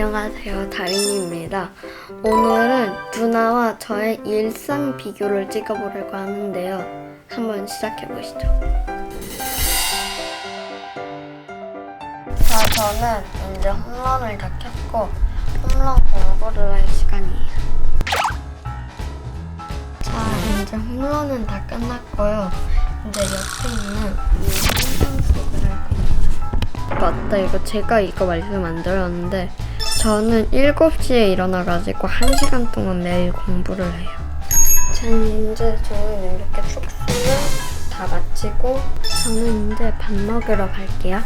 안녕하세요, 다린이입니다. 오늘은 누나와 저의 일상 비교를 찍어보려고 하는데요. 한번 시작해보시죠. 자, 저는 이제 홈런을 다 켰고 홈런 공부를 할 시간이에요. 자, 이제 홈런은 다 끝났고요. 이제 옆에 있는 이 상상식을 할 거예요. 맞다, 이거 제가 이거 말씀 안 드렸는데 저는 7시에 일어나가지고 1시간 동안 매일 공부를 해요. 저는 이제 이렇게 숙소를 다 마치고 저는 이제 밥 먹으러 갈게요.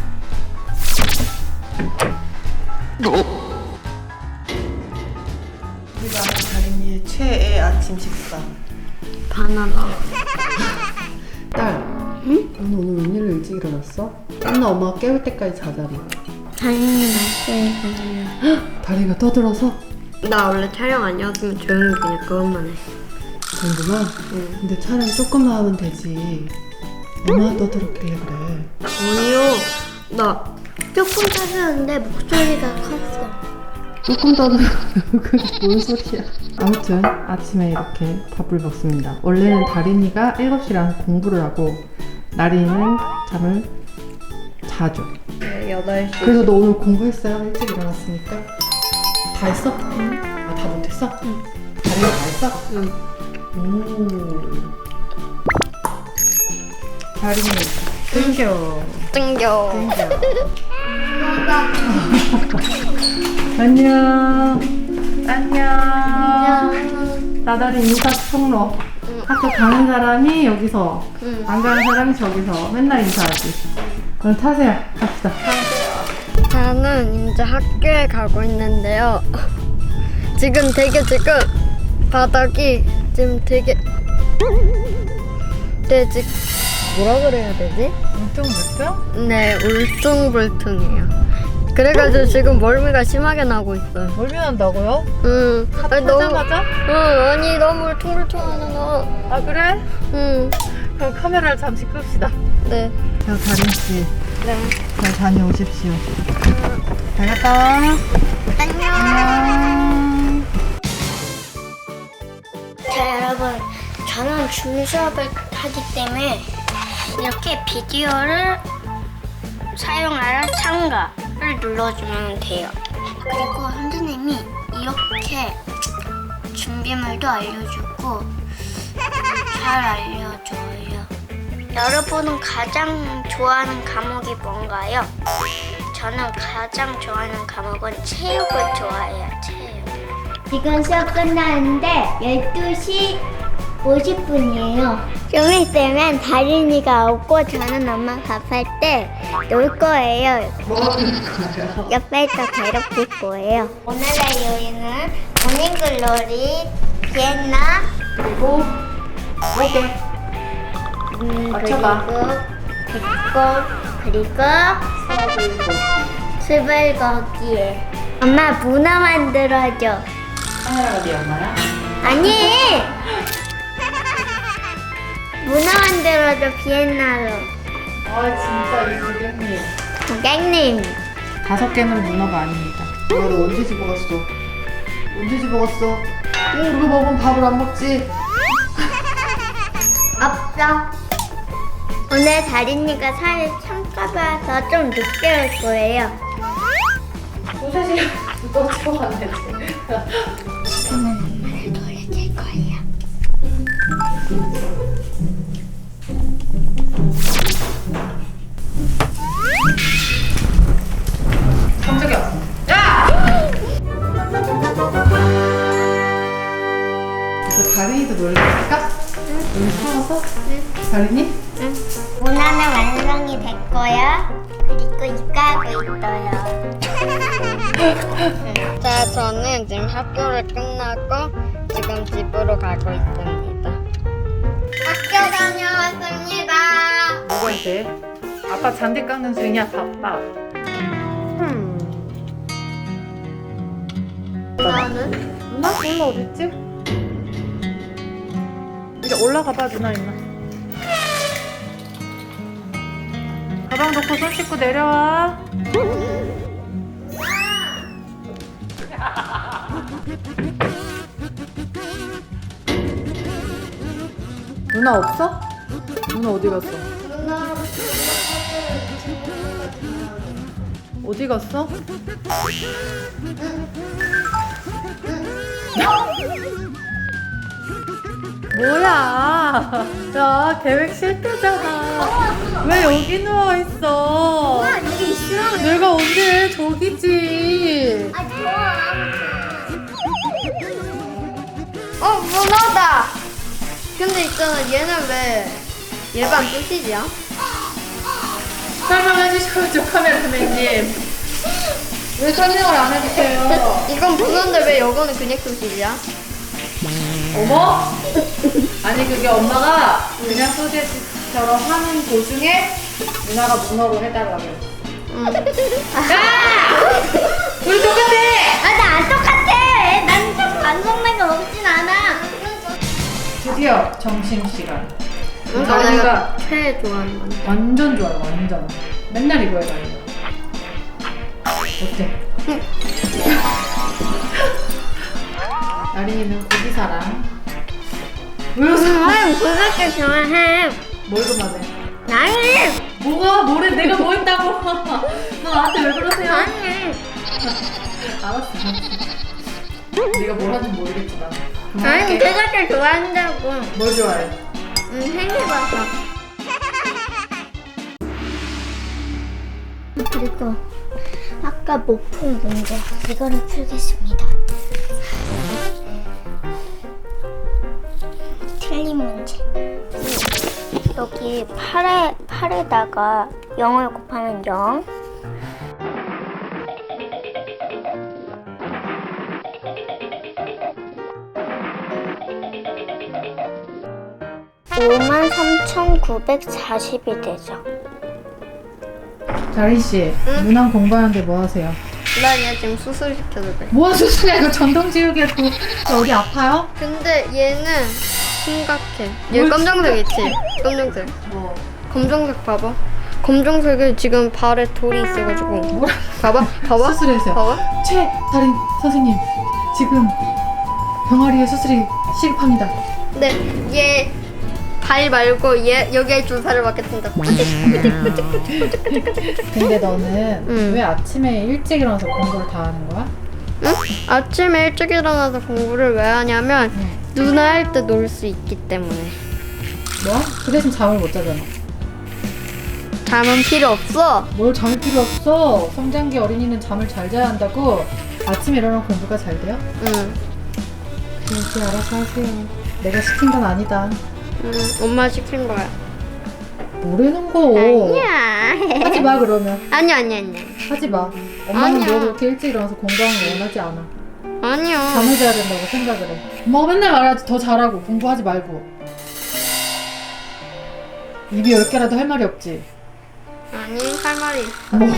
우리가 아는 다린이의 최애 아침 식사. 바나나. 딸, 응? 너 오늘 웬일로 일찍 일어났어? 맨날 엄마가 깨울 때까지 자자리. 다린이 날씨에 다리가 떠들어서? 나 원래 촬영 아니었으면 조용히 그냥 그것만 했어. 정도만? 응. 근데 촬영 조금만 하면 되지. 얼마나 떠들었길래 그래. 아니요, 나 조금 짜증났는데 목소리가 컸어. 조금 떠들어. 그게 뭔 소리야. 아무튼 아침에 이렇게 밥을 먹습니다. 원래는 다린이가 7시에 일어나서 공부를 하고 나린이는 잠을 자죠. 네, 8시. 그래서 너 오늘 공부했어요? 일찍 일어났으니까. 다 했어? 응. 아, 다 못했어? 응. 다린이 다 했어? 응. 오. 다린이 땡겨. 땡겨. 안녕. 안녕. 나다린 인사 통로. 학교 가는 사람이 여기서, 응. 안 가는 사람이 저기서 맨날 인사하지. 오늘 타세요. 갑시다. 저는 이제 학교에 가고 있는데요. 지금 바닥이 지금 되게 뭐라 그래야 되지? 울퉁불퉁? 네, 울퉁불퉁해요. 그래가지고 지금 멀미가 심하게 나고 있어요. 멀미 난다고요? 응. 아니, 타자마자? 응, 아니 너무 울퉁불퉁하잖아. 아, 그래? 응. 그럼 카메라를 잠시 끕시다. 네. 자, 다린씨. 네. 잘 다녀오십시오. 잘 갔다 와. 안녕. 자, 여러분, 저는 줌 수업을 하기 때문에 이렇게 비디오를 사용하라 참가를 눌러주면 돼요. 그리고 선생님이 이렇게 준비물도 알려주고 잘 알려줘요. 여러분은 가장 좋아하는 과목이 뭔가요? 저는 가장 좋아하는 과목은 체육을 좋아해요. 체육. 지금 수업 끝나는데 12시 50분이에요. 좀 있으면 다린이가 오고 저는 엄마 밥할 때 놀 거예요. 옆에서 괴롭힐 거예요. 오늘의 요리는 모닝글로리, 비엔나, 그리고 목에 맞춰봐. 그리고 수불고기. 엄마 문어 만들어줘. 카메라가 네 엄마야? 아니! 문어 만들어줘, 비엔나로. 아, 진짜 이 고객님. 고객님. 5개는 문어가 아닙니다. 너 언제 집어갔어? 언제 집어갔어? 그거 먹으면 밥을 안 먹지? 없어. 오늘 다린이가 살이 참까봐서 좀 늦게 올 거예요. 2-3시간 또 집어갔네. 지금은 엄마를 놀려줄 거예요. 깜짝이야. 야! 이제 다린이도 놀래줄까? 응. 사와서? 응. 다린이? 응. 문화는 완성이 됐고요. 그리고 입가하고 있어요. 자, 저는 지금 학교를 끝나고 지금 집으로 가고 있습니다. 학교 다녀왔습니다. 누구한테? 아빠 잔디 깎는 중이야. 바빠. 누나는? 누나? 누나 어딨지? 이제 올라가봐. 누나 있나? 가방 놓고 손 씻고 내려와. 누나 없어? 누나 어디 갔어? 누나 어디 갔어? 뭐야? 야, 계획 실패잖아. 왜 여기 누워 있어? 이게 있어. 내가 언제 저기지? 아 좋아. 문어다. 근데 있잖아 얘는 왜 일반 소시지야? 설명해 주셔야죠, 카메라맨님. 왜 설명을 안 해주세요? 이건 문어인데 왜 이거는 그냥 소시지야? 어머? 아니 그게 엄마가 그냥 소세지처럼 하는 도중에 누나가 문어로 해달라고. 우리 똑같아! 나 안 똑같아. 난 반성만 거 먹진 않아. 드디어 점심시간. 이거 내가 최애 좋아하는 건. 완전 좋아요, 완전. 맨날 이거 해봐, 이거. 어때? 나린이는 고기사랑. 왜 웃어? 아유 그렇게 좋아해. 뭘 그만해? 나는 뭐가? 뭐래? 내가 뭐 했다고? 너 나한테 왜 그러세요? 나는 알았어. 네가 뭘 하는지 모르겠지만. 아니 그만할게. 그렇게 좋아한다고. 뭘 좋아해? 생겨봐서. 그리고 아까 못 푼 문제 이거를 풀겠습니다. 틀린 문제. 여기 8에다가 0을 곱하면 0. (5만 3,940이) 되죠. 자린 씨, 누나 공부하는데 뭐 하세요? 나 얘 지금 수술 시켜도 돼. 뭐 수술이야? 이거 전동지우개 그 어디 아파요? 근데 얘는 심각해. 얘 뭘 검정색 있지? 검정색. 뭐 검정색 봐봐. 검정색에 지금 발에 돌이 있어가지고. 뭐라? 봐봐. 수술했어요. 봐봐. 다린 선생님, 지금 병아리에 수술이 시급합니다. 근데 얘 발 말고 얘 여기에 주사를 맞겠습니다. 근데 너는 응. 왜 아침에 일찍 일어나서 공부를 다 하는 거야? 응? 아침에 일찍 일어나서 공부를 왜 하냐면 응. 누나 할 때 놀 수 있기 때문에. 뭐? 그 대신 잠을 못 자잖아. 잠은 필요 없어. 뭘 잠이 필요 없어. 성장기 어린이는 잠을 잘 자야 한다고. 아침에 일어나면 공부가 잘 돼요? 응. 그렇게 알아서 하세요. 내가 시킨 건 아니다. 응. 엄마 시킨 거야. 뭐라는 거? 아니야. 하지 마 그러면. 아니야. 하지 마. 엄마는 아니야. 너 그렇게 일찍 일어나서 공부하는 거 원하지 않아. 아니야. 잠을 자야 된다고 생각을 해. 엄마가 맨날 말하지. 더 잘하고 공부하지 말고. 입이 10개라도 할 말이 없지. 아니 할 말이 있어. 뭐.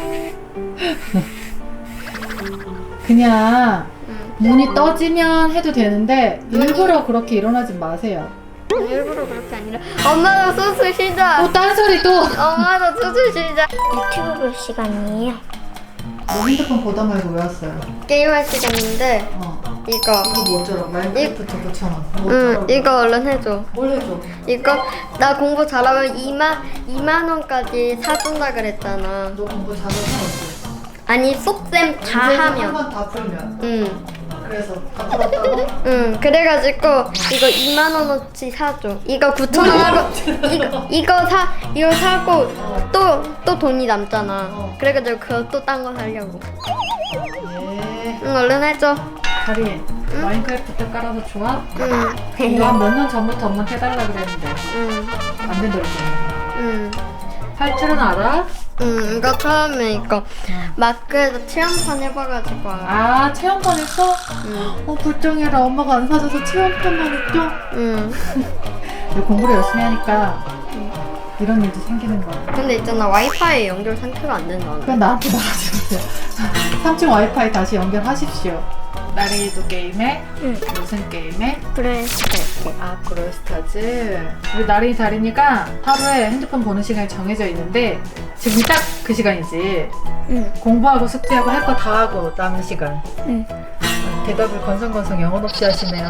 그냥 응. 눈이 떠지면 해도 되는데 일부러 그렇게 일어나지 마세요. 일부러 그렇게 아니라 엄마도 수술 시작. 또 딴소리 또. 엄마도 수술 시작. 유튜브 볼 시간이에요. 너 핸드폰 보다 말고 왜 왔어요? 게임할 시간인데 이거. 이거 뭐 어쩌라고? 마인크래프트 붙여놔. 뭐 응, 어쩌라고? 이거 얼른 해줘. 뭘 해줘? 이거 나 공부 잘하면 2만 원까지 사준다 그랬잖아. 너 공부 잘해서 아니 속셈 다 하면. 한번 다 풀면. 응, 그래서 다 풀었다고? 응. 그래가지고 이거 2만 원어치 사줘. 이거 9천 원 하고 이거 사고 또 돈이 남잖아. 그래가지고 그거 또 딴 거 사려고. 예. 응, 얼른 해줘. 다린, 마인크래프트 깔아서 좋아? 응, 이거 한 몇 년 전부터 엄마한테 해달라 그랬는데 응, 안 된다 그랬잖아. 응. 할 줄은 알아? 응, 이거 처음에 이거 마크에서 체험판 해봐가지고 알아. 아, 체험판 했어? 응, 불쌍해라. 엄마가 안 사줘서 체험판만 했죠? 응. 너 공부를 열심히 하니까 이런 일도 생기는 거야. 근데 있잖아 와이파이 연결 상태가 안 된다는데. 그냥 나한테 말하지 마세요. 3층 와이파이 다시 연결하십시오. 나린이도 게임해? 응. 무슨 게임해? 브레스트. 아, 브롤스타즈. 우리 나린이 다린이가 하루에 핸드폰 보는 시간이 정해져 있는데 지금 딱 그 시간이지. 응. 공부하고 숙제하고 할 거 다 하고 남은 시간. 응. 대답을 건성건성 영혼 없이 하시네요.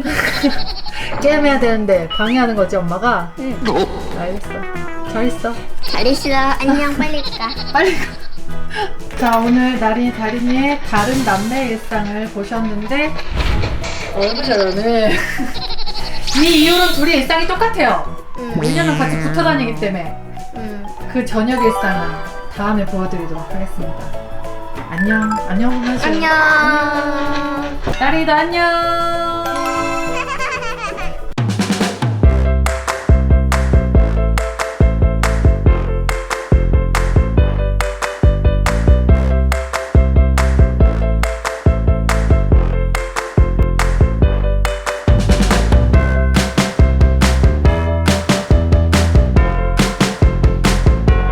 게임해야 되는데 방해하는 거지 엄마가? 응. 알겠어. 잘 있어. 잘 있어. 안녕. 빨리 가. 빨리 가. 자, 오늘 나린이 다린이의 다른 남매 일상을 보셨는데 너무 잘하네. 이 이후로는 둘이 일상이 똑같아요. 왜냐면 같이 붙어 다니기 때문에. 그 저녁 일상은 다음에 보여드리도록 하겠습니다. 안녕. 안녕 하세요. 안녕. 다린이도 안녕.